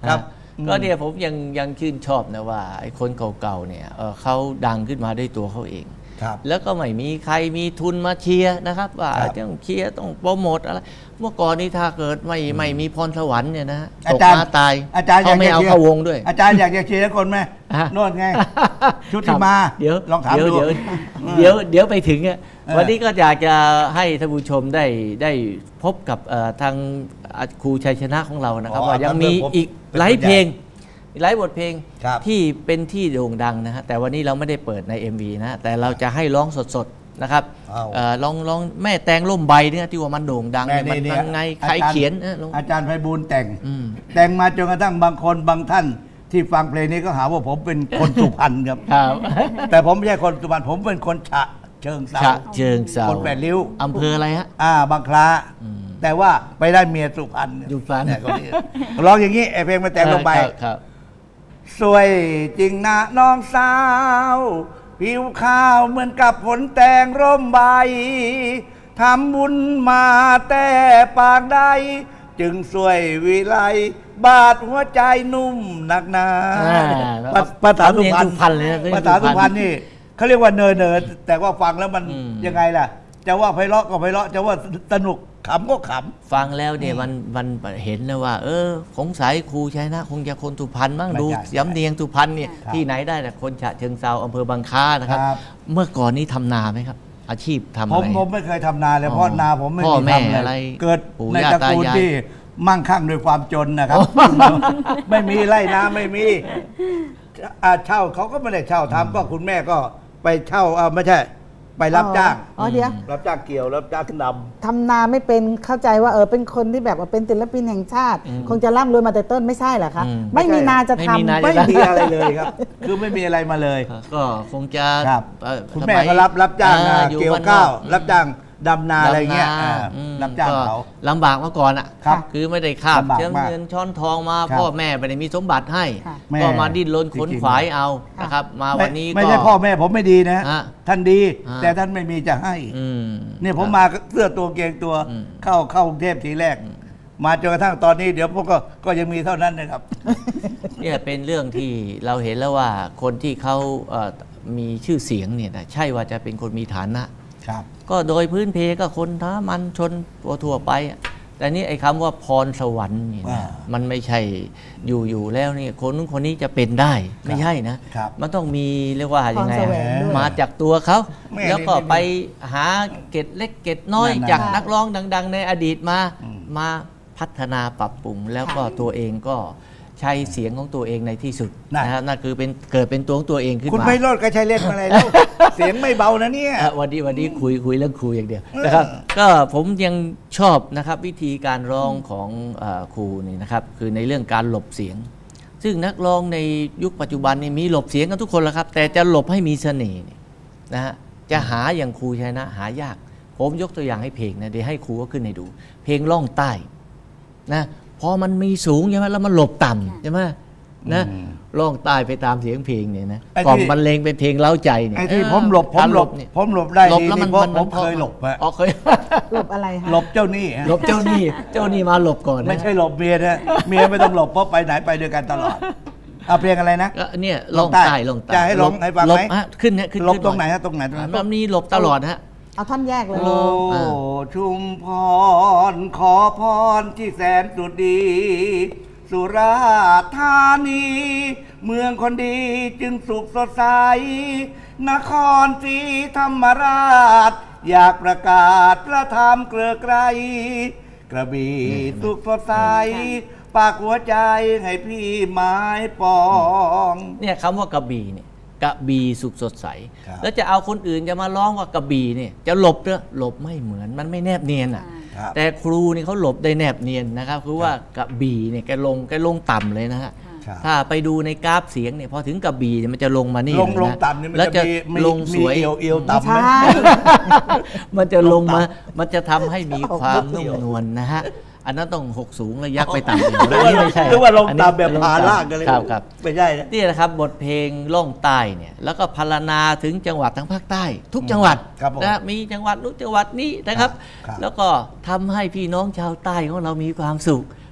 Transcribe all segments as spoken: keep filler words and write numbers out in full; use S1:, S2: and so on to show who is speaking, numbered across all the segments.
S1: ครับ
S2: ก็เนี่ยผมยังยังชื่นชอบนะว่าไอ้คนเก่าๆเนี่ยเขาดังขึ้นมาด้วยตัวเขาเองแล้วก็ไม่มีใครมีทุนมาเชียร์นะครับว่าต้องเชียร์ต้องโปรโมทอะไรเมื่อก่อนนี้ถ้าเกิดไม่ไม่มีพรสวรรค์เนี่ยนะตกมาตายอาจารย์เขาไม่เอาเข้าวงด้วย
S1: อาจารย์อยากจะเชียร์คนไหมโน่นไงชุติมา
S2: เดี๋ยว
S1: ลองถามดู
S2: เดี๋ยวเดี๋ยวเดี๋ยวไปถึงอ่ะวันนี้ก็อยากจะให้ท่านผู้ชมได้ได้พบกับทางครูชัยชนะของเรานะครับว่ายังมีอีกหลายเพลงหลายบทเพลงที่เป็นที่โด่งดังนะฮะแต่วันนี้เราไม่ได้เปิดใน เอ็ม วี นะแต่เราจะให้ร้องสดๆนะครับลองลองแม่แตงล่มใบเนี่ยที่ว่ามันโด่งดังมันยังไงใครเขียน
S1: อาจารย์ไพบูลย์แต่งแต่งมาจนกระทั่งบางคนบางท่านที่ฟังเพลงนี้ก็หาว่าผมเป็นคนสุพรรณครับแต่ผมไม่ใช่คนสุพรรณผมเป็นคนฉะเชิงเซา
S2: เชิงเซา
S1: คนแปดริ้ว
S2: อำเภออะไรฮะ
S1: อ่าบางคล้าแต่ว่าไปได้เมียสุพรรณ
S2: สุพรรณ
S1: ร้องอย่างนี้ไอเพลงมาแต่งลงไปสวยจริงนะน้องสาวผิวขาวเหมือนกับผลแตงร่มใบทำบุญมาแต่ปากใดจึงสวยวิไลบาดหัวใจนุ่มหนักหนาภาษาสุพรรณภาษาสุพรรณนี่เขาเรียกว่าเนยเนยแต่ว่าฟังแล้วมันยังไงล่ะจะว่าไพเราะก็ไพเราะจะว่าสนุกขำก็ขำ
S2: ฟังแล้วเนี่ยมันมันเห็นนะว่าเออสงสัยครูชัยนะคงจะคนสุพรรณบ้างดูสำเนียงสุพรรณเนี่ยที่ไหนได้แต่คนฉะเชิงเซาอำเภอบางคล้านะครับเมื่อก่อนนี้ทำนาไหมครับอาชีพทำอะไร
S1: ผมผมไม่เคยทำนาเลยเพราะนาผมไม่มีทำอะไรเกิดในตระกูลที่มั่งคั่งด้วยความจนนะครับไม่มีไร่นาไม่มีเช่าเขาก็ไม่ได้เช่าทำก็คุณแม่ก็ไปเช่าเอาไม่ใช่ไปรับจ้าง
S3: อ๋อเดี๋ยว
S1: รับจ้างเกี่ยวรับจ้างด
S3: ำทำนาไม่เป็นเข้าใจว่าเออเป็นคนที่แบบว่าเป็นศิลปินแห่งชาติคงจะร่ำรวยมาแต่ต้นไม่ใช่เหรอคะไม่มีนาจะทำ
S1: ไม่มีอะไรเลยครับคือไม่มีอะไรมาเลย
S2: ก็คงจะ
S1: คุณแม่ก็รับรับจ้างเกี่ยวข้าวรับจ้างดำนาอะไรเงี้ยรับจ้างเขา
S2: ลำบากเมื่อก่อนอ่ะคือไม่ได้ข้าวเชิงเงินช้อนทองมาพ่อแม่ไม่ได้มีสมบัติให้ก็มาดิ้นรนขนขวายเอานะครับมาวันนี้ก็
S1: ไม่ใช่พ่อแม่ผมไม่ดีนะท่านดีแต่ท่านไม่มีจะให้เนี่ยผมมาเสื้อตัวเกงตัวเข้าเข้ากรุงเทพทีแรกมาจนกระทั่งตอนนี้เดี๋ยวพวกก็ก็ยังมีเท่านั้นนะครับ
S2: เนี่ยเป็นเรื่องที่เราเห็นแล้วว่าคนที่เขามีชื่อเสียงเนี่ยนะใช่ว่าจะเป็นคนมีฐานะก็โดยพื้นเพก็คนท้ามันชนทั่วไปแต่นี่ไอ้คำว่าพรสวรรค์นี่นะมันไม่ใช่อยู่อยู่แล้วนี่คนนู้นคนนี้จะเป็นได้ไม่ใช่นะมันต้องมีเรียกว่ายังไงมาจากตัวเขาแล้วก็ไปหาเกตเล็กเกตน้อยจากนักร้องดังๆในอดีตมามาพัฒนาปรับปรุงแล้วก็ตัวเองก็ใช้เสียงของตัวเองในที่สุดนะครับนั่นคือเป็นเกิดเป็นตัวของตัวเองขึ้นมา
S1: คุณไพโรจน์ก็ใช้เล่นมาอะไรแล้วเสียงไม่เบานะเนี่ย
S2: วันนี้วันนี้คุยคุยเรื่องครูอย่างเดียวนะครับก็ผมยังชอบนะครับวิธีการร้องของครูนี่นะครับคือในเรื่องการหลบเสียงซึ่งนักร้องในยุคปัจจุบันนี่มีหลบเสียงกันทุกคนแล้วครับแต่จะหลบให้มีเสน่ห์นะฮะจะหาอย่างครูชัยนะหายากผมยกตัวอย่างให้เพลงนะเดี๋ยวให้ครูก็ขึ้นให้ดูเพลงล่องใต้นะพอมันมีสูงใช่ไหมแล้วมันหลบต่ำใช่ไหมนะล่องใต้ไปตามเสียงเพลงเนี่ยนะกล่อมบรรเลงเป็นเพลงเล้าใจเนี่ย
S1: ไอ้ที่ผมหลบผมหลบผมหลบได้ดีเพราะผมเคยหลบฮะ
S2: อ๋อเคย
S3: หลบอะไรคะ
S1: หลบเจ้าหนี้
S2: หลบเจ้าหนี้เจ้าหนี้มาหลบก่อน
S1: ไม่ใช่หลบเมียนะเมียไม่ต้องหลบเพราะไปไหนไปด้วยกันตลอดเอาเพลงอะไรนะ
S2: เนี่ยล่องใต้ล่องใต้
S1: จะให้ร้องให้ฟังไหม
S2: ขึ้นเนี่ยขึ้น
S1: หลบตรงไหนฮะตรงไหน
S2: มันมีหลบตลอดฮะ
S3: เอาท่อนแยกเลย
S1: โอ้ชุมพรขอพรที่แสนสุดดีสุราษฎร์ธานีเมืองคนดีจึงสุขสดใสนครศรีธรรมราชอยากประกาศพระธรรมเกลือไกรกระบี่สุขสดใสปากหัวใจให้พี่ไม้ปอง
S2: เนี่ยคำว่ากระบี่เนี่ยกระบี่สุขสดใสแล้วจะเอาคนอื่นจะมาร้องว่ากระบี่เนี่ยจะหลบเนอะหลบไม่เหมือนมันไม่แนบเนียนอ่ะแต่ครูนี่เขาหลบได้แนบเนียนนะครับคือว่ากระบี่เนี่ยแกลงแกลงต่ำเลยนะฮะถ้าไปดูในกราฟเสียงเนี่ยพอถึงกระบี่มันจะลงมานี่
S1: ลงลงต่ำนี่มันจะลงสวยเอวต่ำ
S2: มันจะลงมามันจะทำให้มีความนุ่มนวลนะฮะอันนั้นต้องหกสูงแล้วยักไปต่ำเลย
S1: นี่ไม่ใช่หรือว่าลงต่ำแบบผาล่างกันเลย
S2: ครับ
S1: ไม่ใช่
S2: นี่นะครับบทเพลงล่องใต้เนี่ยแล้วก็พรรณนาถึงจังหวัดทั้งภาคใต้ทุกจังหวัดนะมีจังหวัดนู้นจังหวัดนี้นะครับแล้วก็ทำให้พี่น้องชาวใต้ของเรามีความสุข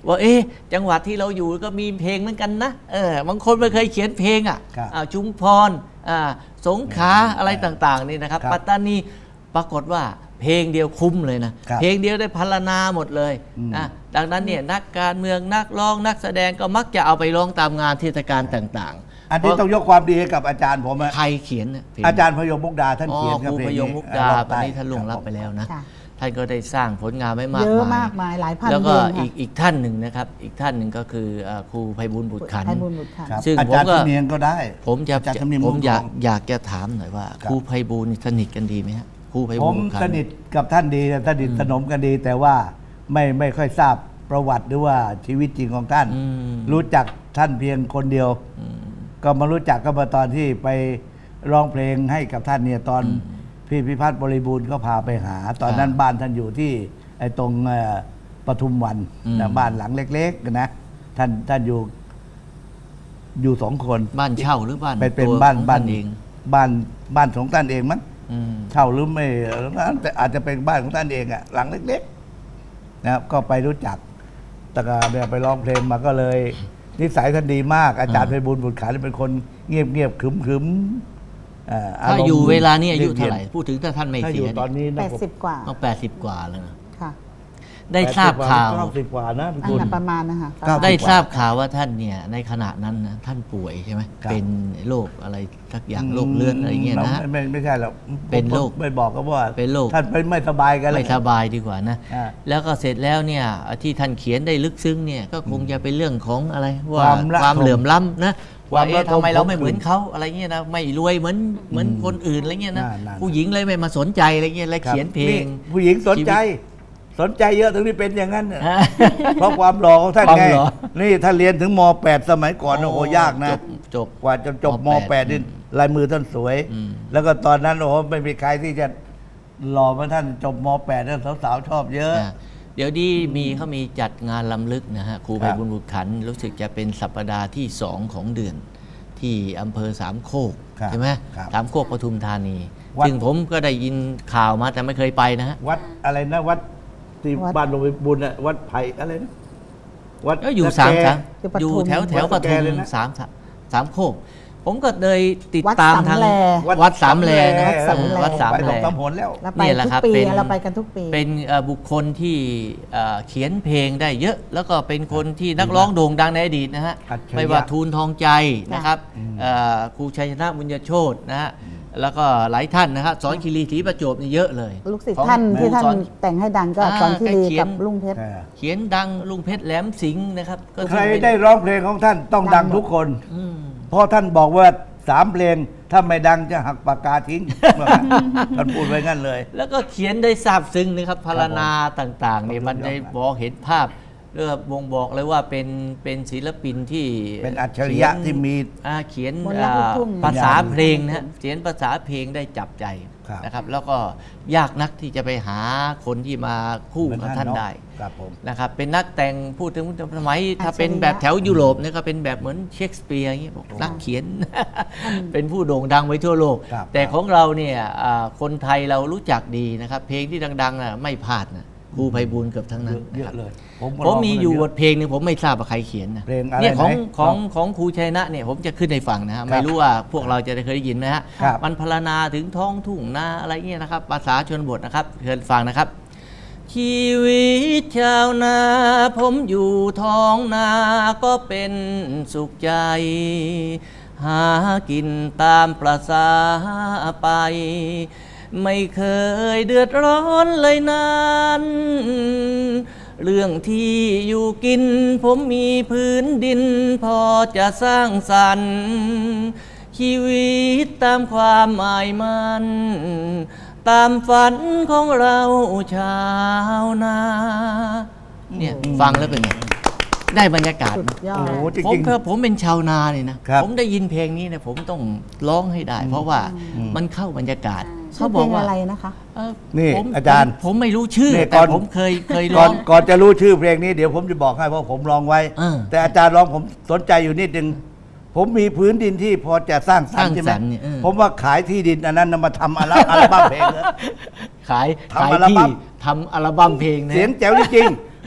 S2: ว่าเอ๊ะจังหวัดที่เราอยู่ก็มีเพลงเหมือนกันนะเออบางคนไม่เคยเขียนเพลงอ่ะชุมพรสงขลาอะไรต่างๆนี่นะครับปัตตานีปรากฏว่าเพลงเดียวคุ้มเลยนะเพลงเดียวได้พรรณนาหมดเลยนะดังนั้นเนี่ยนักการเมืองนักร้องนักแสดงก็มักจะเอาไปร้องตามงานเทศกาลต่างๆ
S1: อันนี้ต้องยกความดีให้กับอาจารย์ผม
S2: ใครเขียน
S1: อาจารย์พยมมุกดาท่านเขียน
S2: ครูพยมมุกดาตอนนี้ท่านล่วงลับไปแล้วนะท่านก็ได้สร้างผลงานไม่มาก
S3: เยอะมากมายหลายพัน
S2: แล้วก็อีกอีกท่านหนึ่งนะครับอีกท่านหนึ่งก็คือครูไพบูลย์บุตรขันธ์
S1: ซึ่งผมก็เนียงก็ได้
S2: ผมจะผมอยากอยากจะถามหน่อยว่าครูไพบูลย์สนิทกันดีไหมครับครูไพบูลย์
S1: ผมสนิทกับท่านดีสนิทสนมกันดีแต่ว่าไม่ไม่ค่อยทราบประวัติหรือว่าชีวิตจริงของท่านรู้จักท่านเพียงคนเดียวก็มารู้จักก็มาตอนที่ไปร้องเพลงให้กับท่านเนี่ยตอนพี่พิพัฒน์บริบูรณ์ก็พาไปหาตอนนั้นบ้านท่านอยู่ที่ไอ้ตรงปทุมวันนะบ้านหลังเล็กๆนะท่านท่านอยู่อยู่สองคน
S2: บ้านเช่าหรือบ้าน
S1: เป็นบ้านบ้านเองบ้านบ้านของท่านเองมั้งเช่าหรือไม่แต่อาจจะเป็นบ้านของท่านเองอะหลังเล็กๆนะครับก็ไปรู้จักแต่ก็เดี๋ยวไปร้องเพลงมาก็เลยนิสัยท่านดีมากอาจารย์ไพบูลย์บุตรขันธ์เป็นคนเงียบเงียบขึมขึม
S2: ถ้าอยู่เวลานี้อายุเท่าไหร่พูดถึงถ้าท่านไม่เสีย
S1: ตอนนี้
S3: แปดสิบกว่า
S2: ต้องแปดสิบกว่าแล้วนะได้ทราบข่าว
S1: เก้าสิบกว่านะ
S3: พี่ประมาณนะคะ
S2: ได้ทราบข่าวว่าท่านเนี่ยในขณะนั้นนะท่านป่วยใช่ไหมเป็นโรคอะไรสักอย่างโรคเลือดอะไรเงี้ยนะ
S1: ไม่ไม่ใช่หรอก
S2: เป็นโรค
S1: ไม่บอกก็ว่า
S2: เป็นโรค
S1: ท่านไม่สบายกันเลย
S2: ไม่สบายดีกว่านะแล้วก็เสร็จแล้วเนี่ยที่ท่านเขียนได้ลึกซึ้งเนี่ยก็คงจะเป็นเรื่องของอะไรว่าความเหลื่อมล้ำนะว่าทำไมเราไม่เหมือนเขาอะไรเงี้ยนะไม่รวยเหมือนเหมือนคนอื่นอะไรเงี้ยนะผู้หญิงเลยไม่มาสนใจอะไรเงี้ยเลยเขียนเพลง
S1: ผู้หญิงสนใจสนใจเยอะถึงที่เป็นอย่างนั้นเพราะความหล่อของท่านไงนี่ท่านเรียนถึงม.แปด สมัยก่อนโอ้โหยากนะ
S2: จบ
S1: กว่าจะจบม.แปด นี่ลายมือท่านสวยแล้วก็ตอนนั้นโอ้โหไม่มีใครที่จะหล่อเหมือนท่านจบม.แปด แล้วสาวๆชอบเยอะ
S2: เดี๋ยวดีมีเขามีจัดงานล้ำลึกนะฮะครูไพบูลย์บุตรขันธ์รู้สึกจะเป็นสัปดาห์ที่สองของเดือนที่อำเภอสามโคกใช่ไหมสามโคกปทุมธานีซึ่งผมก็ได้ยินข่าวมาแต่ไม่เคยไปนะฮะ
S1: วัดอะไรนะวัดที่บ้านหลวงปู่บุญอะวัดไผ่อะไรนะ
S2: วัดก็อยู่สามสามอยู่แถวแถวปทุมสามสามโคกผมก็เลยติดตามทางวัดสามแลนะวัดสามแลนี่แหละครับเป็น
S3: เราไปกันทุกปี
S2: เป็นบุคคลที่เขียนเพลงได้เยอะแล้วก็เป็นคนที่นักร้องโด่งดังในอดีตนะฮะไม่ว่าทูลทองใจนะครับครูชัยชนะบุญญโชตินะฮะแล้วก็หลายท่านนะครับสอนคีรีศรีประจวบนี่เยอะเลย
S3: ลูกศิษย์ท่านที่ท่านแต่งให้ดังก็สอนคีรีกับลุงเพชร
S2: เขียนดังลุงเพชรแหลมสิงห์นะครับ
S1: ใครได้ร้องเพลงของท่านต้องดังทุกคนเพราะท่านบอกว่าสามเพลงถ้าไม่ดังจะหักปากกาทิ้งท่านพูดไว้งั้นเลย
S2: แล้วก็เขียนได้ซาบซึ้งนะครับพรรณนาต่างๆนี่มันได้บอกเห็นภาพเรื่องบ่งบอกเลยว่าเป็นเป็นศิลปินที่
S1: เป็นอัจฉริยะที่มี
S2: เขียนภาษาเพลงนะเขียนภาษาเพลงได้จับใจนะครับแล้วก็ยากนักที่จะไปหาคนที่มาคู่กับท่านได้นะครับเป็นนักแต่งพูดถึงสมัยถ้าเป็นแบบแถวยุโรปเนี่ยก็เป็นแบบเหมือนเชคสเปียร์อย่างเงี้ยบอกนักเขียนเป็นผู้โด่งดังไปทั่วโลกแต่ของเราเนี่ยคนไทยเรารู้จักดีนะครับเพลงที่ดังๆน่ะไม่พลาดนะครูไพบูลย์เกือบทั้งนั้น
S1: เยอะเลย
S2: ผมมีอยู่บทเพลงนึงผมไม่ทราบว่าใครเขียนนะเนี่ยของของของครูชัยนะเนี่ยผมจะขึ้นในฝั่งนะฮะไม่รู้ว่าพวกเราจะได้เคยได้ยินไหมฮะมันพรรณนาถึงท้องทุ่งนาอะไรเงี้ยนะครับภาษาชนบทนะครับเชิญฟังนะครับชีวิตชาวนาผมอยู่ท้องนาก็เป็นสุขใจหากินตามประสาไปไม่เคยเดือดร้อนเลยนั้นเรื่องที่อยู่กินผมมีพื้นดินพอจะสร้างสรรค์ชีวิตตามความหมายมันตามฝันของเราชาวนาเนี่ยฟังแล้วเป็นไงได้บรรยากาศผมเพราะผมเป็นชาวนาเนี่ยนะผมได้ยินเพลงนี้เนี่ยผมต้องร้องให้ได้เพราะว่ามันเข้าบรรยากาศ
S3: เขาบอกว่าอะไรนะคะ
S1: นี่อาจารย์
S2: ผมไม่รู้ชื่อแต่ผมเคยเคยร้อง
S1: ก่อนจะรู้ชื่อเพลงนี้เดี๋ยวผมจะบอกให้เพราะผมร้องไว้แต่อาจารย์ร้องผมสนใจอยู่นิดนึงผมมีพื้นดินที่พอจะสร้างสรรค์ใช่ไหมผมว่าขายที่ดินอันนั้นมาทำอัลบั้มเพลงเลย
S2: ขายขายที่ทำอัลบั้มเพลงนะ
S1: เสียงแจ๋วจริงๆ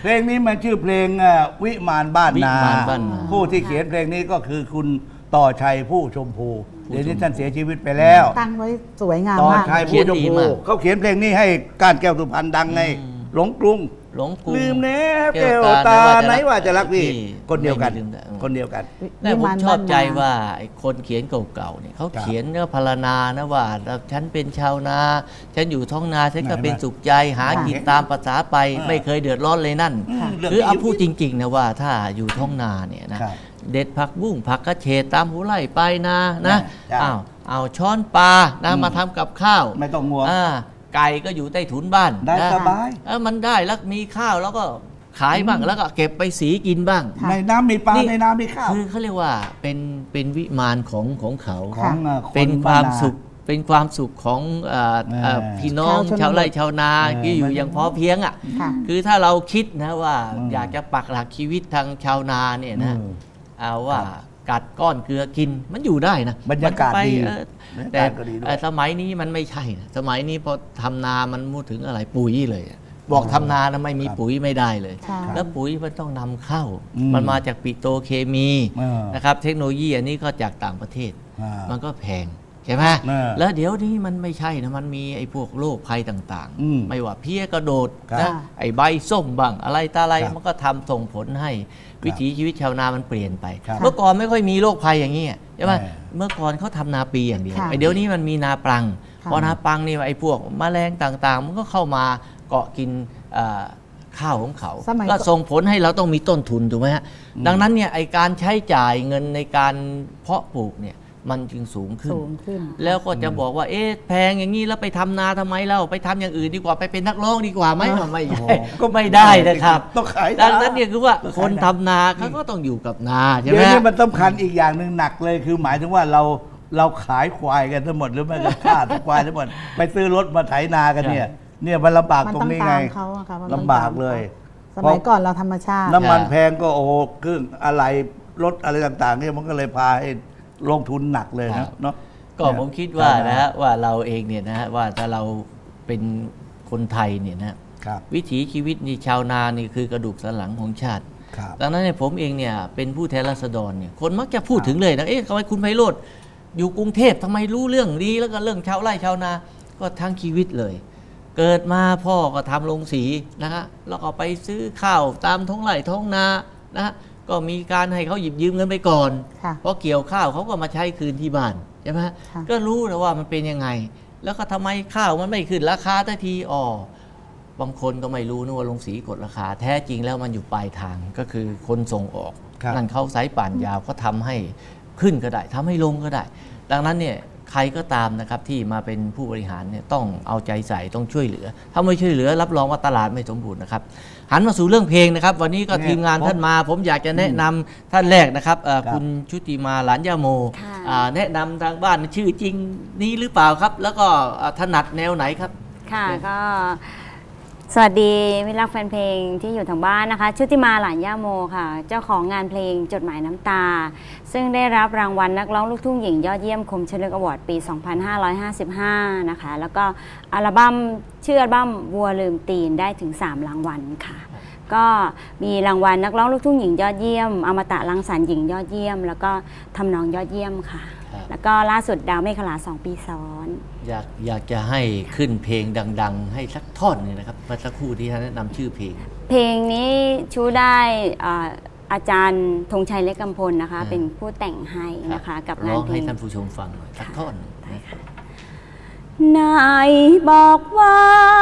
S1: เพลงนี้มันชื่อเพลงเอ่อวิมานบ้านนา
S2: วิมานบ้านนา
S1: ผู้ที่เขียนเพลงนี้ก็คือคุณต่อชัยผู้ชมพูเดี๋ยวนี้ท่านเสียชีวิตไปแล้ว
S3: ตั้งไว้สวยงาม
S1: ต่อ
S3: มาก
S1: ชัยผู้ชมพูเขาเขียนเพลงนี้ให้ก้านแก้วสุพรรณดังไงหลงกรุง
S2: หลงกรุง
S1: ลืมแนบแก้วตาไหนว่าจะรักพี่คนเดียวกัน
S2: ไม่มีลืมได้
S1: คนเดียวกัน
S2: แต่ผมชอบใจว่าไอ้คนเขียนเก่าๆเนี่ยเขาเขียนเนื้อพรรณนานะว่าฉันเป็นชาวนาฉันอยู่ท้องนาฉันก็เป็นสุขใจหากินตามภาษาไปไม่เคยเดือดร้อนเลยนั่น คือเอาพูดจริงๆนะว่าถ้าอยู่ท้องนาเนี่ยนะเด็ดผักบุ้งผักกระเฉดตามหัวไร่ไปนานะอ้าวเอาช้อนปลานะมาทำกับข้าว
S1: ไม่ต้องงัว
S2: ไก่ก็อยู่ใต้ถุนบ้าน
S1: ได้สบาย
S2: เออมันได้แล้วมีข้าวแล้วก็ขายบ้างแล้วก็เก็บไปสีกินบ้าง
S1: ในน้ำมีปลาในน้ำมีข้าว
S2: คือเขาเรียกว่าเป็นเป็นวิมานของของเขา
S1: ของเอ่อคน
S2: เป็นความ
S1: บ้านนา
S2: สุขเป็นความสุขของเอ่อเอ่อ
S1: เออ
S2: พี่น้อง
S3: ชาวชนบท
S2: ชาวไร่ชาวนา
S1: เออ
S2: ที่อยู่
S1: มัน
S2: อย่างพอเพียงอ่ะ
S3: ค่ะ
S2: คือถ้าเราคิดนะว่า
S1: อืม
S2: อยากจะปักหลักชีวิตทางชาวนาเนี่ยนะ
S1: อืม
S2: เอาว่ากัดก้อนเกลือกินมันอยู่ได้นะ
S1: บรรยากาศ
S2: มันไป
S1: ดี
S2: เออบ
S1: รรยากาศ
S2: แต่
S1: ก็ดีด้วย
S2: เอ่อสมัยนี้มันไม่ใช่นะสมัยนี้พอทำนามันพูดถึงอะไรปุ๋ยเลยอะบอกทำนานะไม่มีปุ๋ยไม่ได้เลย
S3: ใช่
S2: แล้วปุ๋ยมันต้องนำเข้า
S1: อืม
S2: มันมาจากปิโตรเคมี
S1: เออ
S2: นะครับเทคโนโลยีอันนี้ก็จากต่างประเทศ
S1: อ่ามั
S2: มันก็แพงใช่ไหม
S1: เออ
S2: แล้วเดี๋ยวนี้มันไม่ใช่นะมันมีไอ้พวกโรคภัยต่าง
S1: อืม
S2: ๆ ไม่ว่าเพี้ยกระโดด
S1: ครับ
S2: นะไอ้ใบส้มบ้างอะไรตาอะไร
S1: ครับ
S2: มันก็ทำส่งผลให้วิถีชีวิตชาวนามันเปลี่ยนไป
S1: ครับ
S2: เมื่อก่อนไม่ค่อยมีโรคภัยอย่างนี้ใช่ไหม
S1: เออ
S2: เมื่อก่อนเขาทำนาปีอย่างเดียว
S3: ค่ะ
S2: ไอ้เดี๋ยวนี้มันมีนาปรัง
S3: ค่ะ
S2: พอนาปรังนี่ไอ้พวกแมลงต่างๆ มันก็เข้ามาเกาะกินเอ่อข้าวของเขา
S3: สมัย
S2: ก็
S3: ก่อน
S2: ส่งผลให้เราต้องมีต้นทุนถูกไหมฮะดังนั้นเนี่ยไอการใช้จ่ายเงินในการเพาะปลูกเนี่ยมันจึงสูงขึ้น
S3: สูงขึ้น
S2: แล้วก็จะบอกว่าเอ๊ะแพงอย่างนี้แล้วไปทำนาทำไมเราไปทำอย่างอื่นดีกว่าไปเป็นนักร้องดีกว่าไหม
S3: อ๋อ
S2: ไม่
S1: โอ้โห
S2: ใช่ก็ไม่ได้นะครับ
S1: ต้องขาย
S2: ดังนั้นเนี่ยคือว่า
S1: ต้อง
S2: ค
S1: ขาย
S2: นทำนาเขาก็ต้องอยู่กับนาใช่
S1: เดี๋
S2: ไห
S1: ย
S2: ม
S1: วนี้มันสำคัญอีกอย่างหนึ่งหนักเลยคือหมายถึงว่าเราเราขายควายกันทั้งหมดหรือไม่ก็ฆ่าควายทั้งหมดไปซื้อรถมาไถนากันเนี่ย เนี่ยมันลำบาก
S3: มัน
S1: ตร
S3: ต้อง
S1: งนี้
S3: ตา
S1: ไง
S3: มเขาอะค่ะมันต้อง
S1: ลำบาก
S3: ตมข
S1: เลย
S3: สมัยก่อนเราธรรมชาติ
S1: น้ำมันแพงก็โอ้โหเครื่องอะไรรถอะไรต่างๆเนี่ยมันก็เลยพาให้ลงทุนหนักเลย
S2: ครั
S1: นะ
S2: บ
S1: เนาะ
S2: ก็ผมคิดว่านะฮะว่าเราเองเนี่ยนะฮะว่าถ้าเราเป็นคนไทยเนี่ยนะฮะ
S1: ครับ
S2: วิถีชีวิตนี่ชาวนานี่คือกระดูกสันหลังของชาติ
S1: ครับ
S2: ดังนั้นเนี่ยผมเองเนี่ยเป็นผู้แทนราษฎรเนี่ยคนมักจะพูดถึงเลยนะเอ๊ะทำไมคุณไพโรธอยู่กรุงเทพทำไมรู้เรื่องดีแล้วก็เรื่องชาวไร่ชาวนาก็ทั้งชีวิตเลย เกิดมาพ่อก็ทำโรงสีนะฮะแล้วก็ไปซื้อข้าวตามท้องไร่ท้องนานะฮะก็มีการให้เขาหยิบยืมเงินไปก่อน
S3: ค่ะ
S2: พอเกี่ยวข้าวเขาก็มาใช้คืนที่บ้านใช่ไหมฮะ
S3: ค่ะ
S2: ก็รู้แล้วว่ามันเป็นยังไง แล้วก็ทำไมข้าวมันไม่ขึ้นราคาทันทีอ๋อบางคนก็ไม่รู้นะว่าโรงสีกดราคา แท้จริงแล้วมันอยู่ปลายทางก็คือคนส่งออก
S1: ครับ
S2: นั่นเขาสายป่านยาวก็ทำให้ขึ้นก็ได้ทำให้ลงก็ได้ ดังนั้นเนี่ยใครก็ตามนะครับที่มาเป็นผู้บริหารเนี่ยต้องเอาใจใส่ต้องช่วยเหลือ ถ้าไม่ช่วยเหลือรับรองว่าตลาดไม่สมบูรณ์นะครับหันมาสู่เรื่องเพลงนะครับ วันนี้ก็
S1: เนี่ย
S2: ทีมงาน
S1: ผม
S2: ท่านมา ผมอยากจะแนะนำท่านแรกนะครับเอ่อ
S1: ครับ
S2: คุณชุติมาหลานยาโม
S4: ค่ะ
S2: อ่าแนะนำทางบ้านชื่อจริงนี้หรือเปล่าครับ แล้วก็อ่าถนัดแนวไหนครับ
S4: ค่ะก็สวัสดีมิตรรักแฟนเพลงที่อยู่ทางบ้านนะคะชุติมาหลานย่าโมค่ะ เจ้าของงานเพลงจดหมายน้ำตา ซึ่งได้รับรางวัลนักร้องลูกทุ่งหญิงยอดเยี่ยมคมชนกอวอร์ดปี สองพันห้าร้อยห้าสิบห้า นะคะ แล้วก็อัลบั้มชื่ออัลบั้มวัวลืมตีนได้ถึง สาม รางวัลค่ะ ก็มีรางวัลนักร้องลูกทุ่งหญิงยอดเยี่ยมอมตะรังสรรค์หญิงยอดเยี่ยม แล้วก็ทำนองยอดเยี่ยมค่ะ
S2: ครับ
S4: แล้วก็ล่าสุดดาวเมฆขลาสองปีซ้อน
S2: อยากอยากจะให้ขึ้นเพลงดัง ๆ ให้สักท่อนหนึงนะครับเมื่อสักครู่ที่ท่านแนะนำชื่อเพลง
S4: เพลงนี้ชูได้อ่าอาจารย์ธงชัยเล็กกำพลนะคะ
S2: อ่า
S4: เป็นผู้แต่งให้นะคะ กับงา
S2: ร้
S4: น
S2: อง
S4: เพล
S2: ให้
S4: ง
S2: ท่านผู้ชมฟังหน่อยสักท่อนหนึ่งนะ
S4: นายบอกว่า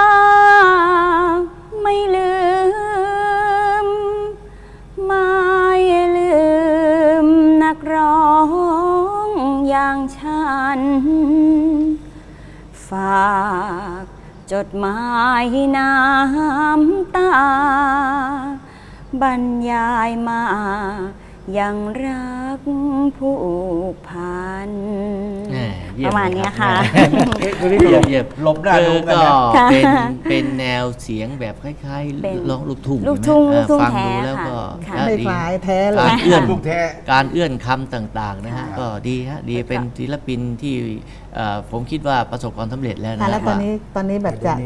S4: ไม่ลืม ไม่ลืมนักร้องอย่างฉัน ฝากจดหมายน้ำตา บรรยายมายังรักผูกพัน
S2: แหม่เยี่ย
S4: ประมาณ
S2: เลย
S4: เนี้ย
S2: บ
S4: ค่ะ
S1: เอ๊ะตัวนี้
S2: เยี่ยมเยี่ยม
S1: หลบหน้าดูกัน
S2: ก็
S1: นะ
S2: เป็นเป็นแนวเสียงแบบคล้าย
S4: เป็น
S2: ๆร้องลูกทุ่ง
S4: ลูกทุ่ง
S2: ใช่ไหม
S4: ลูกทุ่ง
S2: ฟัง
S4: แท้
S2: ดูแล้วก็
S4: ค่ะ
S2: นะ
S3: ไม่
S2: ดี
S3: คล้ายแท้เล
S2: กาย รเอื้อน
S1: ลูกแท้
S2: การเอื้อนคำต่างๆนะฮะก็ดีฮะดีเป็นศิลปินที่เอ่อผมคิดว่าประสบความสำเร็จแล้ว
S3: ค่ะ
S2: นะ
S3: แล้วตอนนี้ตอนนี้แบบจะ
S1: เดี๋ยวนี้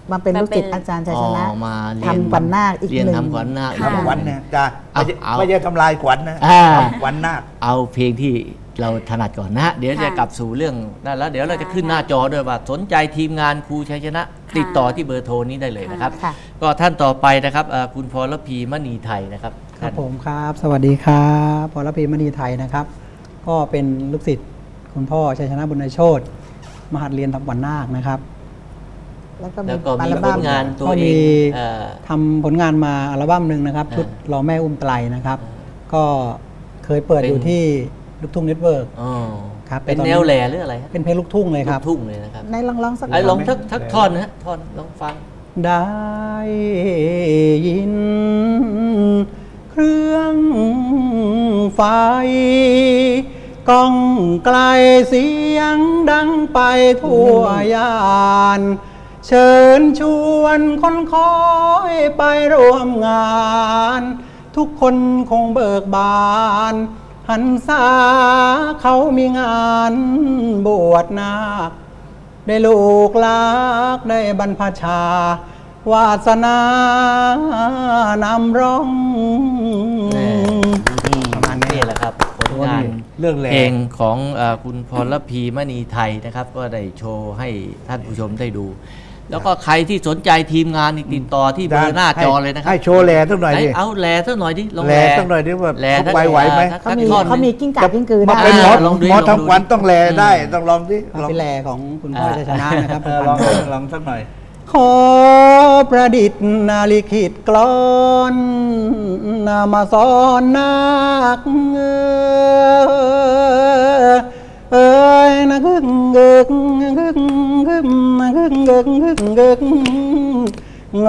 S3: มาเป็นลูกศิษย์อาจารย์ชัยชนะ
S2: อ๋อมาเรียน
S3: ทำขวัญนาคอีก
S2: เรียน
S3: หนึ่ง
S2: ทำขวัญนาค
S1: ทำขวัญเนี่ยจ้า
S2: เอา
S1: ไม่ใช่
S2: เอา
S1: ไม่ใช่ทำลายขวัญนะ
S2: อ่า
S1: ทำขวัญนาค
S2: เอาเพลงที่เราถนัดก่อนนะฮะเดี๋ยวจะ
S4: ค่ะ
S2: กลับสู่เรื่องนั่นแล้วเดี๋ยวเราจะขึ้นหน้าจอด้วยว่าสนใจทีมงานครูชัยชนะ
S4: ค่ะ
S2: ติดต่อที่เบอร์โทรนี้ได้เลยนะครับ
S3: ค่ะ
S2: ก็ท่านต่อไปนะครับเอ่อคุณพรพีมณีไทยนะครับ
S5: ครับผมครับ สวัสดีครับพรพีมณีไทยนะครับ ก็เป็นลูกศิษย์คุณพ่อชัยชนะบุญโชติมหัดเรียนทำขวัญนาคนะครับ
S3: แล้วก็มี
S2: แล้วก็
S3: อั
S2: มี
S3: ล
S2: ผ
S3: บั้ม
S2: ลงานตัว
S5: ก็
S2: เอ
S5: มี
S2: งเอ่อ
S5: ทำผลงานมาอัลบั้มหนึ่งนะครับ
S2: อ่า
S5: ชุดรอแม่อุ้มไตรนะครับ ก็เคยเปิด
S2: เป็น
S5: อยู่ที่ลูกทุ่งเน็ตเวิร์ก
S2: อ๋อ
S5: ครับ
S2: เป็น
S5: แต่ตอนนี้
S2: แนวแหล่หรืออะไรฮะ
S5: เป็นเพลงลูกทุ่งเลยครับ
S2: ลูกทุ่งเลยนะครับ
S3: ในลองลองสัก
S2: ไอ้ลอง
S3: หน่ย
S2: ทักทักท่อนนะฮะท่อนลองฟัง
S5: ได้ยิน เครื่องไฟก้องไกลเสียงดังไปทั่วยาน เชิญชวนคนคอยไปร่วมงาน ทุกคนคงเบิกบานหันษาเขามีงานบวชนาค ได้ลูกลักได้บรรพชาวาสนานำร้อง
S2: แน่ประมาณนี้แหละครับผลงาน
S1: เรื่องแหล่
S2: เพลงของเอ่อคุณพรพีมณีไทยนะครับ ก็ได้โชว์ให้ท่านผู้ชมได้ดู แล้วก็ใครที่สนใจทีมงานนี่ติดต่อที่เบอร์หน้าจอเลยนะครับ
S1: ให้โชว์แหล่สักหน่อยดิ
S2: เอาแหล่สักหน่อยดิลอง
S1: แหล่สักหน่อยดิว่า
S2: แหล่
S1: เขาไหวไหวไหม
S2: สัก
S3: เขามี
S2: ท่อนหนึ่ง
S3: เขามีกิ้งก่ากิ้งกือ
S1: มา
S3: ได้
S1: เป็นหมอ
S2: ลองดู
S1: หมอ
S2: ลองดู
S1: ทำขวัญต้องแหล่ได้ต้องลองดิลอง
S5: เป็นแลของคุณพ่อชัยชนะนะครับ
S1: เออลองลองสักหน่อย
S5: ขอประดิษฐ์นาลิขิตกลอนนามาสอนนักเอ้ยนะกึกกึกกึกกึกนะกึกกึกกึกกึกเง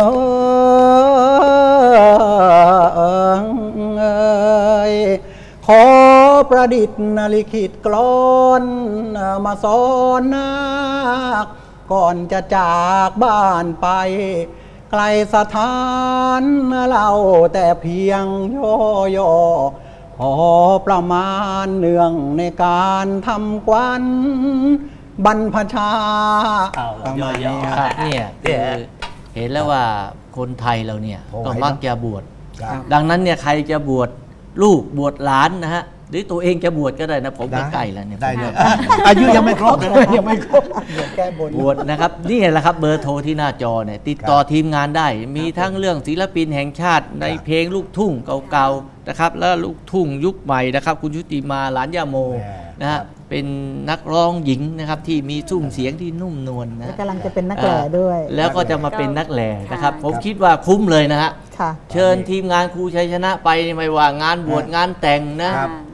S5: ยขอประดิษฐ์นาลิขิตกลอนมาสอนนัก ก่อนจะจากบ้านไป ไกลสถานเราแต่เพียงย่อย่อพอประมาณเนื่องในการทำกวันบรรพชาประมาณนี้
S2: ค
S5: ค
S2: รั
S5: รั
S2: บบ เนี่ยคือเห็นแล้วว่าคนไทยเราเนี่ย
S1: โอ้
S2: ก็มักจะบวช
S1: ครับ
S2: ดังนั้นเนี่ยใครจะบวชลูกบวชหลานนะฮะหรือตัวเองจะบวชก็ได้นะผมก็ใกล้แล้วเนี่ย
S1: ได้เลยอ่ะอายุยังไม่ครบเลยนะยังไม่ครบ
S5: แก้บน
S2: บวชนะครับนี่แหละครับเบอร์โทรที่หน้าจอเนี่ยติดต่อทีมงานได้ มีทั้งเรื่องศิลปินแห่งชาติในเพลงลูกทุ่งเก่าๆนะครับแล้วลูกทุ่งยุคใหม่นะครับคุณชุติมาหลานย่าโม
S1: แหม่
S2: นะ
S1: ครั
S2: ฮะ
S1: บ
S2: เป็นนักร้องหญิงนะครับที่มีซุ้มเสียงที่นุ่มนวลนะ
S3: และกำลังจะเป็นนักแหล่ด้วย
S2: แล้วก็จะมาเป็นนักแหล่นะครับ
S4: ค่ะ
S2: ผมคิดว่าคุ้มเลยนะฮะ
S3: ค่ะ
S2: เชิญทีมงานครูชัยชนะไปไม่ว่างานบวชงานแต่งนะ
S1: ครับ